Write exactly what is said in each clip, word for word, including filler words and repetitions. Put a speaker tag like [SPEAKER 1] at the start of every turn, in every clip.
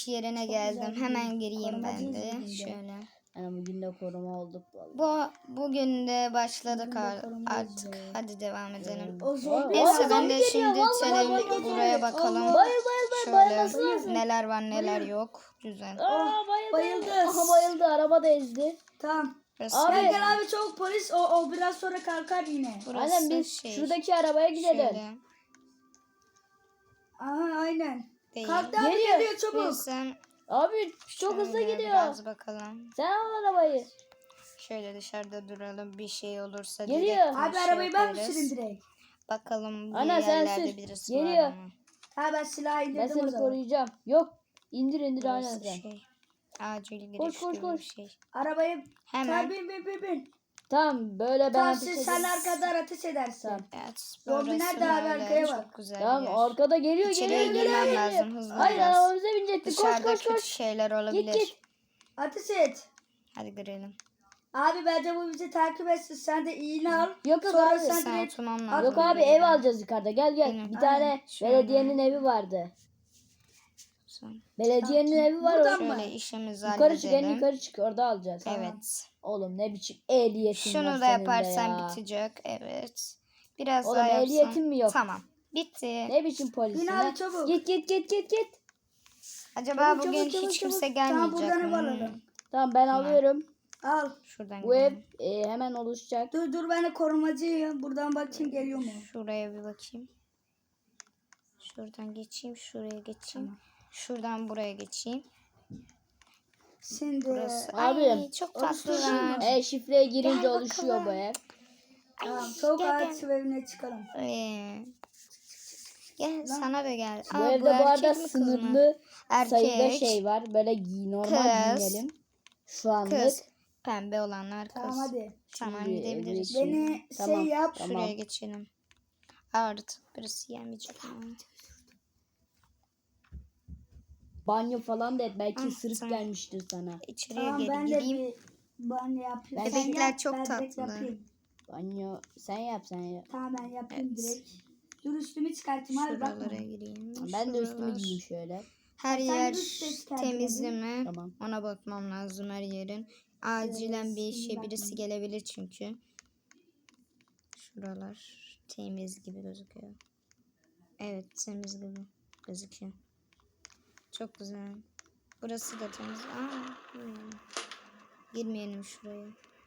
[SPEAKER 1] yerine
[SPEAKER 2] Çok
[SPEAKER 1] geldim.
[SPEAKER 2] güzel
[SPEAKER 1] Hemen
[SPEAKER 2] bir
[SPEAKER 1] gireyim ben
[SPEAKER 2] korumacıyız
[SPEAKER 1] de.
[SPEAKER 2] bugün de.
[SPEAKER 1] Şöyle.
[SPEAKER 3] Yani bugün de koruma olduk vallahi.
[SPEAKER 1] Bu bugün de başladık
[SPEAKER 2] Bugün de
[SPEAKER 1] ar-
[SPEAKER 2] korumayız
[SPEAKER 1] artık.
[SPEAKER 2] be.
[SPEAKER 1] Hadi devam edelim.
[SPEAKER 2] O zombi
[SPEAKER 1] Neyse
[SPEAKER 2] var.
[SPEAKER 1] ben de
[SPEAKER 3] geliyor,
[SPEAKER 1] şimdi
[SPEAKER 3] vallahi
[SPEAKER 1] tele-
[SPEAKER 3] bayıldı.
[SPEAKER 1] buraya bakalım.
[SPEAKER 2] Allah.
[SPEAKER 3] Bayıl bayıl bayıl bayılması
[SPEAKER 1] Şöyle
[SPEAKER 3] lazım.
[SPEAKER 1] neler var neler
[SPEAKER 2] Bayıl.
[SPEAKER 1] yok. Güzel.
[SPEAKER 3] Aa bayıldı.
[SPEAKER 2] bayıldı.
[SPEAKER 3] Aha bayıldı, araba da ezdi.
[SPEAKER 2] Tamam.
[SPEAKER 1] Burası,
[SPEAKER 3] Abi,
[SPEAKER 2] Gel gel abi çabuk polis. O, o biraz sonra kalkar yine.
[SPEAKER 1] burası
[SPEAKER 3] Aynen biz
[SPEAKER 1] şey,
[SPEAKER 3] şuradaki arabaya gidelim.
[SPEAKER 1] şöyle
[SPEAKER 2] Aha aynen.
[SPEAKER 1] değil.
[SPEAKER 2] Kalktı abi
[SPEAKER 3] Geliyor.
[SPEAKER 2] geliyor çabuk.
[SPEAKER 1] Neyse,
[SPEAKER 3] Abi çok hızlı
[SPEAKER 1] şöyle
[SPEAKER 3] gidiyor.
[SPEAKER 1] Biraz bakalım.
[SPEAKER 3] Sen al arabayı.
[SPEAKER 1] Şöyle dışarıda duralım. Bir şey olursa
[SPEAKER 3] Geliyor.
[SPEAKER 1] direkt bir
[SPEAKER 2] Abi
[SPEAKER 1] şey
[SPEAKER 2] arabayı ben mi
[SPEAKER 1] yaparız.
[SPEAKER 2] süreyim direkt?
[SPEAKER 1] Bakalım bu
[SPEAKER 3] Ana, sen
[SPEAKER 1] yerlerde
[SPEAKER 3] sür.
[SPEAKER 1] birisi
[SPEAKER 3] Geliyor.
[SPEAKER 1] var mı?
[SPEAKER 2] Ha ben silahı indirdim
[SPEAKER 3] Ben
[SPEAKER 2] o
[SPEAKER 3] seni
[SPEAKER 2] zaman.
[SPEAKER 3] koruyacağım. Yok. İndir indir aynen
[SPEAKER 1] Burası
[SPEAKER 3] sen.
[SPEAKER 1] şey. Acil giriş
[SPEAKER 3] Koş, koş,
[SPEAKER 1] gibi
[SPEAKER 3] koş.
[SPEAKER 1] bir şey.
[SPEAKER 2] Arabayı
[SPEAKER 1] Hemen.
[SPEAKER 2] Sen bin bin bin bin.
[SPEAKER 3] Tamam böyle ben
[SPEAKER 2] Tamam
[SPEAKER 3] ateş
[SPEAKER 2] siz
[SPEAKER 3] ederim.
[SPEAKER 2] sen arkadan ateş edersin.
[SPEAKER 3] Tamam.
[SPEAKER 1] Evet,
[SPEAKER 2] Zombi
[SPEAKER 1] burası
[SPEAKER 2] nerede abi?
[SPEAKER 1] böyle
[SPEAKER 2] Arkaya
[SPEAKER 1] çok
[SPEAKER 2] bak.
[SPEAKER 1] güzel
[SPEAKER 3] Tamam
[SPEAKER 1] bir yer.
[SPEAKER 3] arkada geliyor
[SPEAKER 1] İçeriye
[SPEAKER 3] geliyor geliyor.
[SPEAKER 1] girmem
[SPEAKER 3] geliyor.
[SPEAKER 1] lazım, hızlı
[SPEAKER 3] Hayır
[SPEAKER 1] biraz.
[SPEAKER 3] arabamıza binecektik. Koş
[SPEAKER 1] Dışarıda
[SPEAKER 3] koş
[SPEAKER 1] kötü
[SPEAKER 3] koş.
[SPEAKER 1] şeyler olabilir.
[SPEAKER 3] Git git.
[SPEAKER 2] Ateş et.
[SPEAKER 1] Hadi girelim.
[SPEAKER 2] Abi bence bu bizi takip etsin. Sen de iğne al.
[SPEAKER 3] Yok yok
[SPEAKER 2] Sonra
[SPEAKER 3] abi.
[SPEAKER 2] sen
[SPEAKER 1] Sen
[SPEAKER 2] direkt...
[SPEAKER 1] oturmam lazım.
[SPEAKER 3] Yok abi ev alacağız yukarıda. Gel gel.
[SPEAKER 1] Benim.
[SPEAKER 3] Bir tane
[SPEAKER 2] Aynen.
[SPEAKER 1] Şöyle.
[SPEAKER 3] belediyenin evi vardı.
[SPEAKER 1] Sen-
[SPEAKER 3] Belediyenin evi var
[SPEAKER 2] Buradan
[SPEAKER 3] orada.
[SPEAKER 2] mı?
[SPEAKER 1] Şöyle işimizi
[SPEAKER 3] Yukarı çık en
[SPEAKER 1] halledelim.
[SPEAKER 3] yukarı çık orada alacağız.
[SPEAKER 1] Evet.
[SPEAKER 3] Oğlum ne biçim ehliyetin var
[SPEAKER 1] Şunu da
[SPEAKER 3] senin de
[SPEAKER 1] yaparsan
[SPEAKER 3] ya.
[SPEAKER 1] bitecek. Evet. Biraz
[SPEAKER 3] Oğlum
[SPEAKER 1] daha yapsam.
[SPEAKER 3] ehliyetin mi yok?
[SPEAKER 1] Tamam. Bitti.
[SPEAKER 3] Ne biçim polisin
[SPEAKER 2] Bin
[SPEAKER 3] lan?
[SPEAKER 2] abi çabuk.
[SPEAKER 3] Git git git git git.
[SPEAKER 1] Acaba
[SPEAKER 2] Çabuk,
[SPEAKER 1] bugün
[SPEAKER 2] çabuk, çabuk,
[SPEAKER 1] hiç kimse
[SPEAKER 2] çabuk.
[SPEAKER 1] gelmeyecek
[SPEAKER 2] Tamam buradan ev
[SPEAKER 1] mi?
[SPEAKER 2] alalım.
[SPEAKER 3] Tamam ben alıyorum.
[SPEAKER 2] Al.
[SPEAKER 1] Şuradan
[SPEAKER 3] Bu ev
[SPEAKER 1] gidelim.
[SPEAKER 3] e, hemen oluşacak.
[SPEAKER 2] Dur dur ben de korumacıyım. Buradan bakayım geliyor mu?
[SPEAKER 1] Şuraya bir bakayım. Şuradan geçeyim. Şuraya geçeyim. Şuradan buraya geçeyim.
[SPEAKER 2] Şimdi
[SPEAKER 1] Burası.
[SPEAKER 3] Abi,
[SPEAKER 1] Ay, çok tatlılar.
[SPEAKER 3] E şifreye girince
[SPEAKER 1] Gel
[SPEAKER 3] oluşuyor
[SPEAKER 1] bakalım.
[SPEAKER 3] bu ev.
[SPEAKER 2] tamam çok
[SPEAKER 1] gel,
[SPEAKER 2] ağaç evine çıkalım.
[SPEAKER 1] Ee, gel sana da gel.
[SPEAKER 3] Bu
[SPEAKER 1] Aa,
[SPEAKER 3] evde bu
[SPEAKER 1] erkek
[SPEAKER 3] arada
[SPEAKER 1] mi, kız mı?
[SPEAKER 3] sınırlı
[SPEAKER 1] Erkek.
[SPEAKER 3] sayıda şey var. Böyle giy normal
[SPEAKER 1] Kız.
[SPEAKER 3] giyinelim. Şu anlık.
[SPEAKER 1] Kız. Pembe olanlar kız.
[SPEAKER 2] Tamam hadi.
[SPEAKER 1] Tamam
[SPEAKER 3] Şimdi
[SPEAKER 1] gidebiliriz.
[SPEAKER 3] evet.
[SPEAKER 2] Beni
[SPEAKER 3] Tamam.
[SPEAKER 2] şey yap.
[SPEAKER 3] Tamam.
[SPEAKER 1] Şuraya geçelim. Artık birisi yemeyecek ama.
[SPEAKER 3] Banyo falan da et. Belki
[SPEAKER 1] Ah,
[SPEAKER 3] ısırık
[SPEAKER 1] tamam.
[SPEAKER 3] gelmiştir sana.
[SPEAKER 1] İçeriye
[SPEAKER 2] Tamam
[SPEAKER 1] geri
[SPEAKER 2] ben de
[SPEAKER 1] gireyim.
[SPEAKER 2] bir banyo yapayım.
[SPEAKER 3] Ben-
[SPEAKER 2] Sen
[SPEAKER 1] Bebekler
[SPEAKER 2] yap,
[SPEAKER 1] çok
[SPEAKER 2] ben direkt
[SPEAKER 1] tatlı.
[SPEAKER 2] yapayım.
[SPEAKER 3] Banyo sen yap sen yap.
[SPEAKER 2] Tamam ben yapayım
[SPEAKER 1] Evet.
[SPEAKER 2] direkt. Dur üstümü çıkartayım abi bakma.
[SPEAKER 1] Şuralara gireyim.
[SPEAKER 3] Ben de üstümü
[SPEAKER 1] Şuralar.
[SPEAKER 3] giyeyim şöyle.
[SPEAKER 1] Her
[SPEAKER 2] Sen
[SPEAKER 1] yer
[SPEAKER 2] üst ses kendine
[SPEAKER 1] temizli
[SPEAKER 2] bir.
[SPEAKER 1] mi?
[SPEAKER 3] Tamam.
[SPEAKER 1] Ona bakmam lazım her yerin. Acilen bir işe
[SPEAKER 2] şimdi
[SPEAKER 1] birisi
[SPEAKER 2] bakmayın.
[SPEAKER 1] gelebilir çünkü. Şuralar temiz gibi gözüküyor. Evet temiz gibi gözüküyor. Çok güzel. Burası da temiz. Aa, girmeyelim. Girmeyelim şuraya.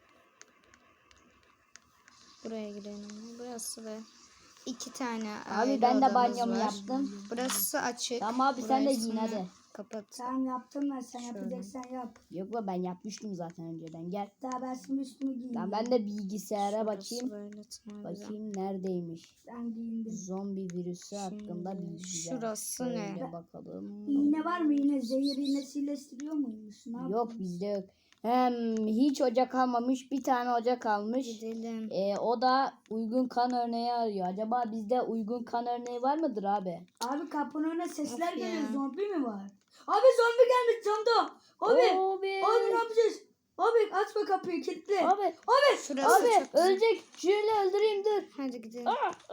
[SPEAKER 1] Buraya girelim. Burası da iki tane
[SPEAKER 3] Abi
[SPEAKER 1] ayrı
[SPEAKER 3] ben de
[SPEAKER 1] odamız
[SPEAKER 3] banyomu
[SPEAKER 1] var.
[SPEAKER 3] yaptım.
[SPEAKER 1] Burası açık.
[SPEAKER 3] Tamam abi, sen de
[SPEAKER 1] Burasını
[SPEAKER 3] giyin hadi.
[SPEAKER 1] Kapat.
[SPEAKER 2] Tamam yaptım ben sen
[SPEAKER 1] Şöyle.
[SPEAKER 2] yapacaksan yap.
[SPEAKER 3] Yok be ben yapmıştım zaten önceden. Gel.
[SPEAKER 2] Daha ben şimdi üstümü giyeyim.
[SPEAKER 3] Tamam ben de bilgisayara
[SPEAKER 1] Şurası
[SPEAKER 3] bakayım.
[SPEAKER 1] böyle, tamam, güzel.
[SPEAKER 3] Bakayım neredeymiş.
[SPEAKER 2] Ben giyindim.
[SPEAKER 3] Zombi virüsü hakkında
[SPEAKER 1] Şimdi
[SPEAKER 3] bilgiler.
[SPEAKER 1] şurası ne?
[SPEAKER 3] Şöyle bakalım.
[SPEAKER 2] İğne var mı yine? Zehir iğnesiyle sürüyor muymuş? Ne
[SPEAKER 3] Yok
[SPEAKER 2] yapıyorsun?
[SPEAKER 3] bizde yok. Hem hiç ocak almamış, bir tane ocak almış.
[SPEAKER 1] Gidelim.
[SPEAKER 3] Ee, o da uygun kan örneği arıyor. Acaba bizde uygun kan örneği var mıdır abi?
[SPEAKER 2] Abi kapının önüne sesler
[SPEAKER 1] Of ya.
[SPEAKER 2] geliyor. Zombi mi var? Abi zombi gelmiş camda. Abi.
[SPEAKER 3] Abi.
[SPEAKER 2] Abi ne yapacağız? Abi açma kapıyı kilitli.
[SPEAKER 3] Abi.
[SPEAKER 2] Abi.
[SPEAKER 1] Şurası
[SPEAKER 3] Abi
[SPEAKER 1] çok güzel.
[SPEAKER 3] ölecek. Şöyle öldüreyim dur.
[SPEAKER 1] Hadi gidelim.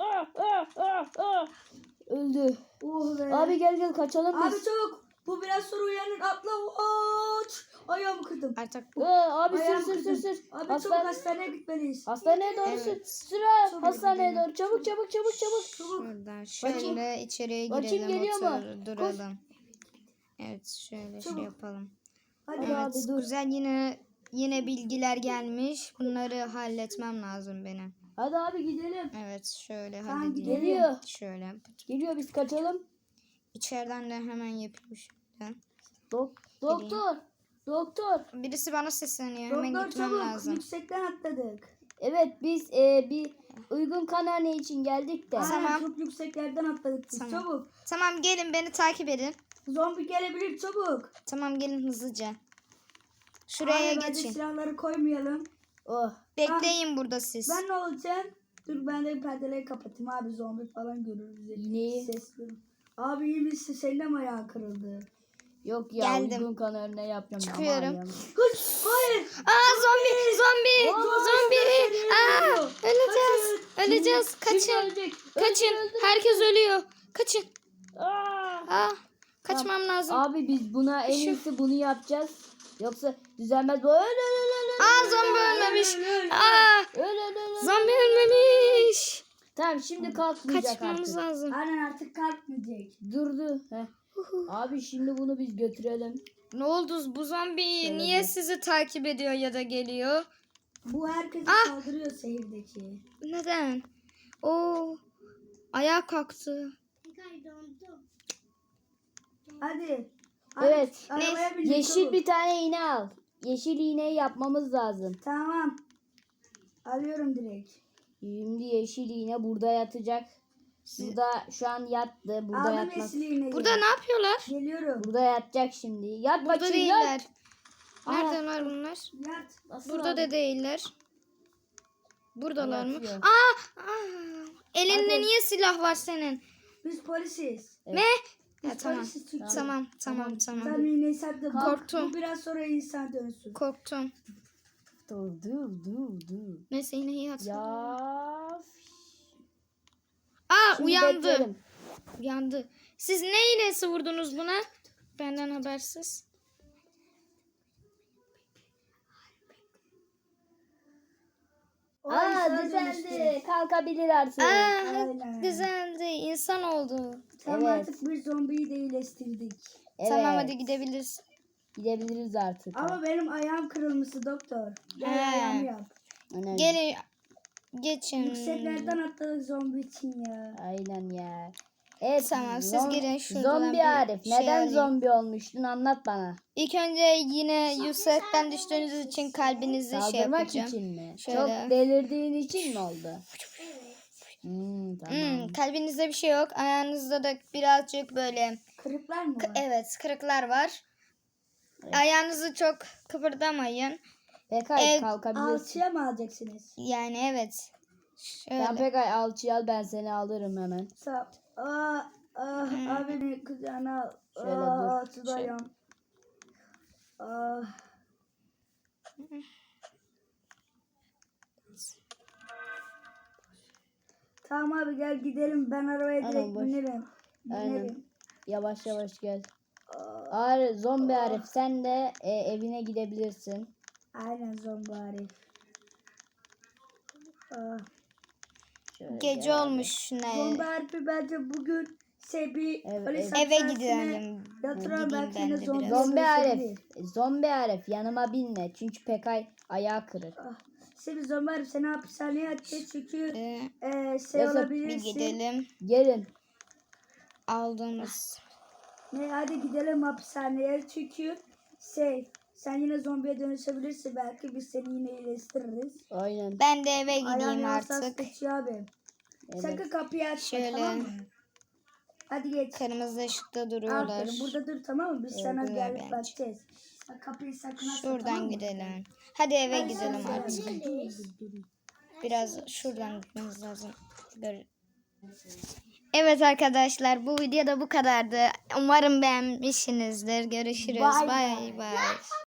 [SPEAKER 3] Öldü.
[SPEAKER 2] Oh be.
[SPEAKER 3] Abi gel gel kaçalım
[SPEAKER 2] Abi
[SPEAKER 3] biz.
[SPEAKER 2] çabuk. Bu biraz sonra uyanır. Atla. Aç. Ayağımı kırdım.
[SPEAKER 1] Artık
[SPEAKER 3] Ee, abi sür
[SPEAKER 2] Ayağımı
[SPEAKER 3] sür
[SPEAKER 2] kırdım.
[SPEAKER 3] sür sür.
[SPEAKER 2] Abi
[SPEAKER 3] Hasta-
[SPEAKER 2] çabuk hastaneye gitmeliyiz.
[SPEAKER 3] Hastaneye doğru
[SPEAKER 1] Evet.
[SPEAKER 3] sür. Sür ha.
[SPEAKER 2] Çabuk
[SPEAKER 3] Hastaneye
[SPEAKER 1] gidelim.
[SPEAKER 3] doğru. Çabuk çabuk çabuk çabuk.
[SPEAKER 1] şuradan şöyle içeriye
[SPEAKER 3] Bakayım
[SPEAKER 1] girelim,
[SPEAKER 3] geliyor mu?
[SPEAKER 1] otur, duralım. Evet şöyle şey
[SPEAKER 2] Çabuk.
[SPEAKER 1] yapalım.
[SPEAKER 2] Hadi.
[SPEAKER 3] Hadi
[SPEAKER 1] Evet
[SPEAKER 3] abi dur.
[SPEAKER 1] güzel, yine yine bilgiler gelmiş. Bunları halletmem lazım benim.
[SPEAKER 3] Hadi abi gidelim.
[SPEAKER 1] Evet şöyle
[SPEAKER 2] Tamam,
[SPEAKER 1] halledeyim.
[SPEAKER 3] Geliyor.
[SPEAKER 1] Şöyle.
[SPEAKER 3] Geliyor biz kaçalım.
[SPEAKER 1] İçeriden de hemen yapayım şuradan.
[SPEAKER 3] Dok doktor. Doktor.
[SPEAKER 1] Birisi bana sesleniyor. Hemen
[SPEAKER 2] Doktor
[SPEAKER 1] gitmem
[SPEAKER 2] çabuk.
[SPEAKER 1] lazım.
[SPEAKER 2] Yüksekten atladık.
[SPEAKER 3] Evet biz e, bir uygun kan örneği için geldik de.
[SPEAKER 2] Aynen,
[SPEAKER 1] Tamam.
[SPEAKER 2] çok yükseklerden atladık biz.
[SPEAKER 1] Tamam.
[SPEAKER 2] Çabuk.
[SPEAKER 1] Tamam gelin beni takip edin.
[SPEAKER 2] Zombi gelebilir çabuk.
[SPEAKER 1] Tamam gelin hızlıca. Şuraya
[SPEAKER 2] Abi, bence
[SPEAKER 1] geçin.
[SPEAKER 2] silahları koymayalım.
[SPEAKER 3] Oh.
[SPEAKER 1] Bekleyin burada siz.
[SPEAKER 2] Ben ne olacağım? Dur ben de perdeleri kapatayım abi zombi falan görür bizi.
[SPEAKER 3] İğneyi.
[SPEAKER 2] Ses görür. Abi iyi misin? Senin de mi ayağın kırıldı?
[SPEAKER 3] Yok ya
[SPEAKER 1] Geldim.
[SPEAKER 3] uygun kan örneği yapacağım.
[SPEAKER 1] Çıkıyorum.
[SPEAKER 3] Ama ayağım-
[SPEAKER 2] Kız hayır.
[SPEAKER 1] Aa zombi zombi
[SPEAKER 2] Zombi
[SPEAKER 1] zombi.
[SPEAKER 2] sesleri
[SPEAKER 1] Aa
[SPEAKER 2] geliyor.
[SPEAKER 1] öleceğiz.
[SPEAKER 2] Kaçın.
[SPEAKER 1] Öleceğiz.
[SPEAKER 3] Kim
[SPEAKER 1] Kaçın.
[SPEAKER 3] ölecek?
[SPEAKER 1] Kaçın.
[SPEAKER 3] Öldür, öldür.
[SPEAKER 1] Herkes ölüyor. Kaçın.
[SPEAKER 3] Aa!
[SPEAKER 1] Aa Kaçmam lazım.
[SPEAKER 3] Abi biz buna en
[SPEAKER 1] Şu-
[SPEAKER 3] iyisi bunu yapacağız. Yoksa düzelmez. Bu öl öl öl öl.
[SPEAKER 1] Aa zombi ölmemiş. Aa
[SPEAKER 3] Öl öl öl öl.
[SPEAKER 1] zombi ölmemiş.
[SPEAKER 3] Tamam şimdi kalkmayacak
[SPEAKER 1] Kaçmamız
[SPEAKER 3] artık.
[SPEAKER 1] lazım.
[SPEAKER 2] Aynen artık kalkmayacak.
[SPEAKER 3] Durdu. Heh. Abi şimdi bunu biz götürelim.
[SPEAKER 1] Ne oldu? Bu zombi
[SPEAKER 3] Şöyle
[SPEAKER 1] niye
[SPEAKER 3] bir-
[SPEAKER 1] sizi takip ediyor ya da geliyor?
[SPEAKER 2] Bu herkese
[SPEAKER 1] Ah!
[SPEAKER 2] saldırıyor şehirdeki.
[SPEAKER 1] Neden? Oo. Ayağa kalktı.
[SPEAKER 2] Hadi. Hadi,
[SPEAKER 3] Evet.
[SPEAKER 2] arabaya bin,
[SPEAKER 3] Yeşil
[SPEAKER 2] çabuk.
[SPEAKER 3] bir tane iğne al. Yeşil iğneyi yapmamız lazım.
[SPEAKER 2] Tamam. Alıyorum direkt.
[SPEAKER 3] Şimdi yeşil iğne burada yatacak. Burada şu an yattı. Burada
[SPEAKER 2] Aldım
[SPEAKER 3] yatmaz.
[SPEAKER 2] yeşil iğneyi.
[SPEAKER 1] Burada ne yapıyorlar?
[SPEAKER 2] Geliyorum.
[SPEAKER 3] Burada yatacak şimdi. Yat
[SPEAKER 1] Burada
[SPEAKER 3] bakayım
[SPEAKER 1] değiller.
[SPEAKER 3] yat.
[SPEAKER 1] Neredeler bunlar?
[SPEAKER 2] Yat.
[SPEAKER 3] Nasıl
[SPEAKER 1] Burada
[SPEAKER 3] abi?
[SPEAKER 1] da değiller. Buradalar mı?
[SPEAKER 3] Yatıyor.
[SPEAKER 1] Aa, aa! Elinde
[SPEAKER 2] Hadi.
[SPEAKER 1] niye silah var senin?
[SPEAKER 2] Biz polisiz.
[SPEAKER 1] Ne?
[SPEAKER 2] Biz
[SPEAKER 1] Ya, tamam.
[SPEAKER 2] polisiz Türkçe.
[SPEAKER 1] Tamam, tamam, tamam.
[SPEAKER 2] Sen iğneyi sattın.
[SPEAKER 1] Korktum.
[SPEAKER 2] Bu biraz sonra insan dönsün.
[SPEAKER 1] Korktum.
[SPEAKER 3] Dur dur dur dur.
[SPEAKER 1] Neyse yine iyi hatırladım.
[SPEAKER 3] Ya.
[SPEAKER 1] Aa
[SPEAKER 3] Şimdi
[SPEAKER 1] uyandı.
[SPEAKER 3] bekleyelim.
[SPEAKER 1] Uyandı. Siz ne iğnesi vurdunuz buna? Benden habersiz.
[SPEAKER 2] O
[SPEAKER 3] Aa
[SPEAKER 2] insana dönüştü.
[SPEAKER 3] düzeldi. Kalkabilir artık.
[SPEAKER 1] Aa
[SPEAKER 2] aynen.
[SPEAKER 1] güzeldi. İnsan oldu.
[SPEAKER 2] Tamam
[SPEAKER 3] Evet.
[SPEAKER 2] artık bir zombiyi de iyileştirdik.
[SPEAKER 3] Evet.
[SPEAKER 1] Tamam hadi gidebiliriz.
[SPEAKER 3] Gidebiliriz artık.
[SPEAKER 2] Ama benim ayağım kırılmıştı doktor. Gel
[SPEAKER 1] He.
[SPEAKER 2] ayağımı yap.
[SPEAKER 3] Aynen.
[SPEAKER 1] Gelin. Geçin.
[SPEAKER 2] Yükseklerden atladık zombi için ya.
[SPEAKER 3] Aynen ya. Evet.
[SPEAKER 1] Tamam, siz
[SPEAKER 3] zom-
[SPEAKER 1] girin şuradan
[SPEAKER 3] Zombi
[SPEAKER 1] bir
[SPEAKER 3] Arif.
[SPEAKER 1] şey
[SPEAKER 3] Neden
[SPEAKER 1] alayım.
[SPEAKER 3] zombi olmuştun? Anlat bana.
[SPEAKER 1] İlk önce yine yüksekten düştüğünüz için kalbinizi şey
[SPEAKER 3] Saldırmak
[SPEAKER 1] yapacağım.
[SPEAKER 3] için mi?
[SPEAKER 1] Şöyle.
[SPEAKER 3] Çok delirdiğin için mi oldu? Hmm, tamam.
[SPEAKER 1] Hmm, kalbinizde bir şey yok. Ayağınızda da birazcık böyle
[SPEAKER 2] Kırıklar mı var?
[SPEAKER 1] evet kırıklar var. Ayağınızı çok kıpırdamayın.
[SPEAKER 3] Pekay
[SPEAKER 1] Ev-
[SPEAKER 3] kalkabilirsin.
[SPEAKER 2] Alçıya mı alacaksınız?
[SPEAKER 1] Yani evet.
[SPEAKER 3] Sen
[SPEAKER 1] Şöyle.
[SPEAKER 3] Pekay alçıyı al ben seni alırım hemen.
[SPEAKER 2] Sağ Aa, ah, abi beni kucağına al.
[SPEAKER 3] Şöyle
[SPEAKER 2] Aa,
[SPEAKER 3] dur.
[SPEAKER 2] tutayım. Ah. Tamam abi gel gidelim. Ben arabaya
[SPEAKER 3] Aynen,
[SPEAKER 2] direkt
[SPEAKER 3] boş.
[SPEAKER 2] binerim.
[SPEAKER 3] Aynen.
[SPEAKER 2] Binerim.
[SPEAKER 3] Yavaş yavaş gel.
[SPEAKER 2] Aa,
[SPEAKER 3] Arif, zombi Arif sen de e, evine gidebilirsin.
[SPEAKER 2] aynen zombi Arif. Ah.
[SPEAKER 3] Şöyle
[SPEAKER 1] Gece
[SPEAKER 3] gel abi.
[SPEAKER 1] olmuş ne?
[SPEAKER 2] Zombi Arif'i bence bugün Sebi
[SPEAKER 3] Evet,
[SPEAKER 2] polis
[SPEAKER 3] evet.
[SPEAKER 1] Eve
[SPEAKER 2] hapishanesine
[SPEAKER 1] gidelim.
[SPEAKER 2] yatıralım.
[SPEAKER 1] Gideyim
[SPEAKER 2] Belki
[SPEAKER 1] ben
[SPEAKER 2] yine
[SPEAKER 1] de
[SPEAKER 2] zombi
[SPEAKER 1] biraz.
[SPEAKER 3] Zombi Arif,
[SPEAKER 2] dönüşebilir.
[SPEAKER 3] zombi Arif yanıma binme çünkü Pekay ayağı kırık.
[SPEAKER 2] Ah, Sebi zombi Arif seni hapishaneye atacak çünkü
[SPEAKER 1] Ee,
[SPEAKER 2] e, şey
[SPEAKER 3] Yoksa bir
[SPEAKER 1] bir
[SPEAKER 2] olabilirsin.
[SPEAKER 1] gidelim.
[SPEAKER 3] Gelin.
[SPEAKER 1] Aldığımız.
[SPEAKER 2] Ne hadi gidelim hapishaneye çünkü şey sen yine zombiye dönüşebilirsin belki biz seni yine iyileştiririz.
[SPEAKER 3] Aynen.
[SPEAKER 1] Ben de eve
[SPEAKER 2] Ayağın
[SPEAKER 1] gideyim
[SPEAKER 2] yavaş
[SPEAKER 1] artık.
[SPEAKER 2] kaçıyor abi.
[SPEAKER 3] Evet.
[SPEAKER 2] Sakın kapıyı açma
[SPEAKER 1] Şöyle.
[SPEAKER 2] tamam mı? Hadi geç.
[SPEAKER 1] Kırmızı ışıkta duruyorlar.
[SPEAKER 2] Aferin burada dur tamam mı? Biz
[SPEAKER 1] Evet,
[SPEAKER 2] sana
[SPEAKER 1] dur
[SPEAKER 2] gelip
[SPEAKER 1] bence.
[SPEAKER 2] bakacağız. Bak, kapıyı sakın açma
[SPEAKER 1] Şuradan
[SPEAKER 2] tamam mı?
[SPEAKER 1] gidelim. Hadi eve
[SPEAKER 2] Hadi
[SPEAKER 1] gidelim
[SPEAKER 2] sen
[SPEAKER 1] artık.
[SPEAKER 2] söyle. Dur, dur, dur.
[SPEAKER 1] Biraz şuradan gitmemiz lazım. Gör- Evet arkadaşlar bu video da bu kadardı. Umarım beğenmişsinizdir. Görüşürüz.
[SPEAKER 2] Bye
[SPEAKER 1] Bye bye.